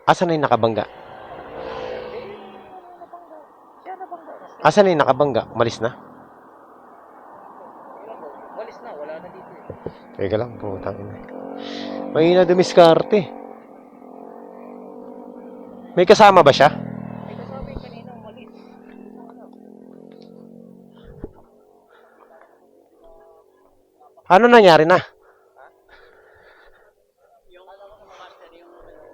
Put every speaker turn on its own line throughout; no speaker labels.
Asan na yung nakabangga? Asan na yung nakabangga? Malis na?
Walis na, wala na dito eh.
Teka lang, putang ina. May na dumiskarte. May kasama ba siya?
May kasabi kanina umalis.
Ano nangyari na?
Yung master, yung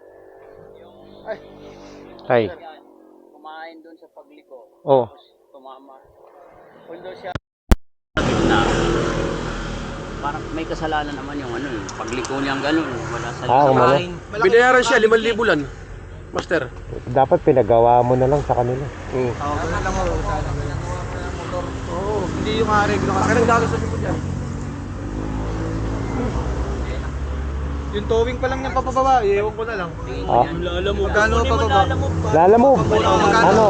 Ay.
kumain doon sa pagliko.
Oh.
Tapos tumama. Although siya na parang may kasalanan naman yung ano, yung pagliko niyang ganun, wala sa
Umano.
Binayaran siya 5,000 bulan. Master.
Dapat pinagawa mo na lang sa kanila.
Oo, ganun lang ako. Motor. Oo, hindi yung areglo. Laki ng galos sa likod yan. Yung towing pa lang ng papababa, ewan ko na lang.
Ah.
Magkano papababa?
Lala mo. Ano?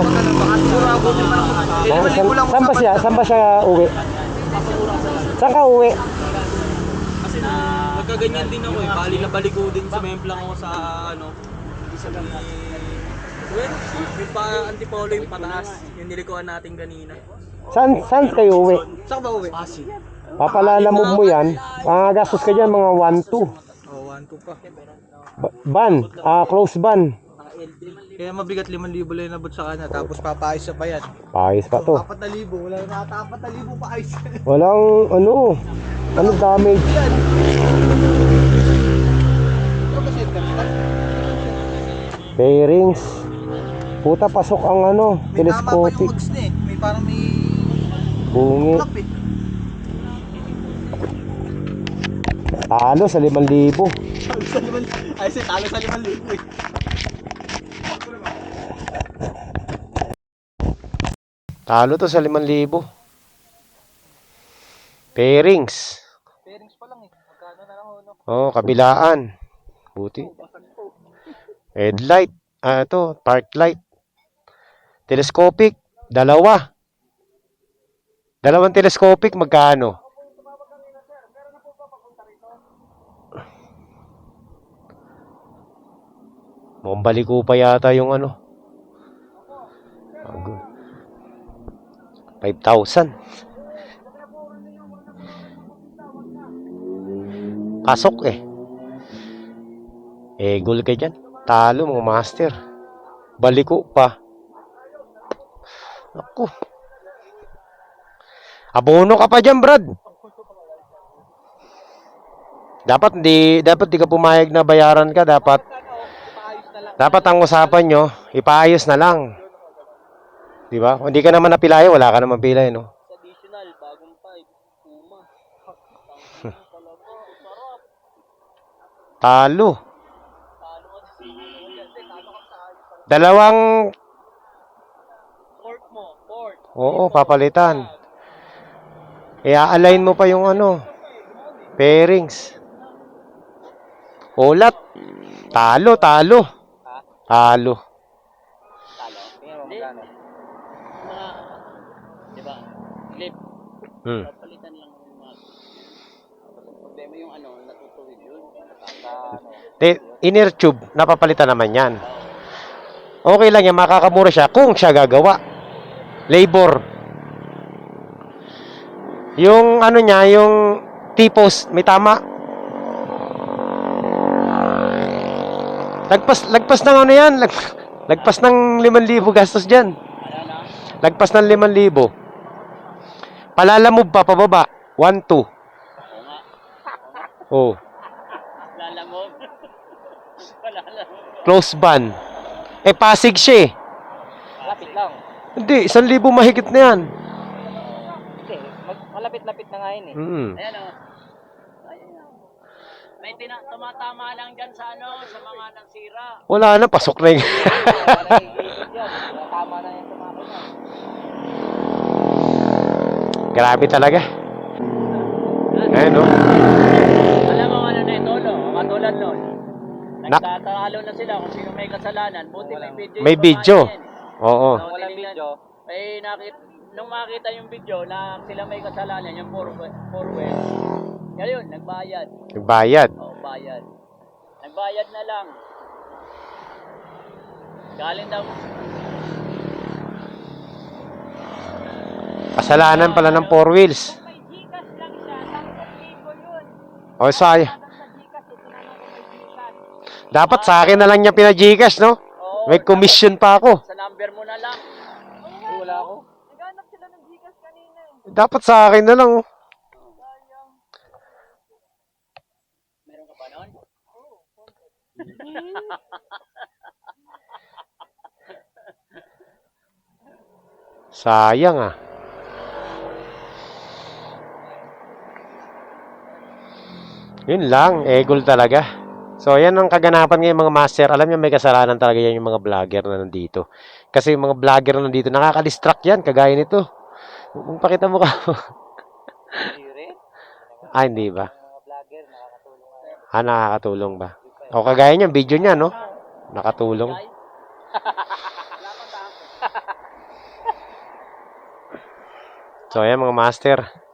Saan ba siya? Saan ba siya uwi? Saan ka uwi?
Kasi nagkaganyan din ako eh. Bali na baligo din sa memplang ako sa ano. Isa lang well, yung pa antipolo yung pataas. Yung nilikuan natin kanina.
Saan kayo uwi?
Saan ba uwi?
Pasig.
Papalalamog mo yan. Gastos ka dyan mga 1-2.
Oh, 1-2 pa.
Ban. Close ban.
Kaya mabigat 5,000 lang nabot sa kanya. Tapos papayos siya pa yan.
Paayos pa to.
4,000. Wala na 4,000 paayos.
Walang ano damage. Bearings. Puta, pasok ang ano,
May tama pa yung
telescopic.
mags na eh. May parang may
Bungi.
flap eh.
Talo sa 5,000.
Ay, talo sa 5,000 eh.
Talo to sa 5,000. Bearings.
Bearings pa lang eh. Magkano na lang no?
Oh, kabilaan. Buti. Headlight. Ito, park light. Telescopic. Dalawang telescopic, magkano? Mukhang baliko pa yata yung ano. 5,000. Pasok eh. Gol ka dyan. Talo mga master. Baliko pa. Ako. Abono ka pa dyan, Brad. Dapat di ka pumayag na bayaran ka. Dapat ang usapan nyo, ipaayos na lang. Di ba? Hindi ka naman napilay, wala ka naman pilay, no?
additional, bagong 5, Puma.
Talo. Dalawang
Port mo, port.
Oo, papalitan. I-align mo pa yung ano, bearings. Ulat. Talo.
Talo? Tingnan mo magkano? Mga, di ba, clip. Papalitan lang yung mga. Problema yung ano, natutuwid yun.
Inner tube, napapalitan naman yan. Okay lang yan, makakamura siya kung siya gagawa. Labor. Yung ano niya, yung T-post, may tama. Lagpas ng ano yan, lagpas ng 5,000 gastos dyan. Lagpas ng 5,000. Palalamove pa, pababa. 1-2. Oh.
Lalamog.
Close ban. Pasig siya eh.
Malapit lang.
Hindi, 1,000 mahigit na yan.
Hindi, malapit-lapit na nga yun eh. Ayan o. May tumatama lang dyan sa ano, sa mga nagsira.
Wala na, pasok na yung...
Tama na yung tumama na.
Grabe talaga. Ayan, no?
Alam mo ano na ito, no? Katulad nun. Nagtatalo na sila kung sino may kasalanan. Buti may video.
May video. Oo.
Walang video. May nung makita yung video na sila may kasalanan, yung 4 ngayon, nagbayad.
Nagbayad.
Oo, bayad. Nagbayad na lang. Galing daw.
Kasalanan pala ng 4 wheels.
May Gcash lang siya, 10,000 yun.
O, sayang.
Sa Gcash, ito na lang kung may Gcash.
Dapat sa akin na lang niya pina-Gcash, no?
Oo,
May commission pa ako.
sa number mo na lang.
Wala ako.
Naghanap sila ng Gcash kanina eh.
Dapat sa akin na lang, oh.
Meron ka pa noon?
Sayang, ah. Yun lang, egol talaga. So, yan ang kaganapan ngayon mga master. Alam niyo, may kasalanan talaga yan yung mga vlogger na nandito. Kasi yung mga vlogger na nandito, nakaka-distract yan, kagaya nito. Kung pakita mo ka.
Hindi rin.
Ah, hindi ba?
Mga vlogger, nakakatulong nga.
Ah, nakakatulong ba? O, kagaya niya, video niya, no? Nakatulong. So, ayan mga master.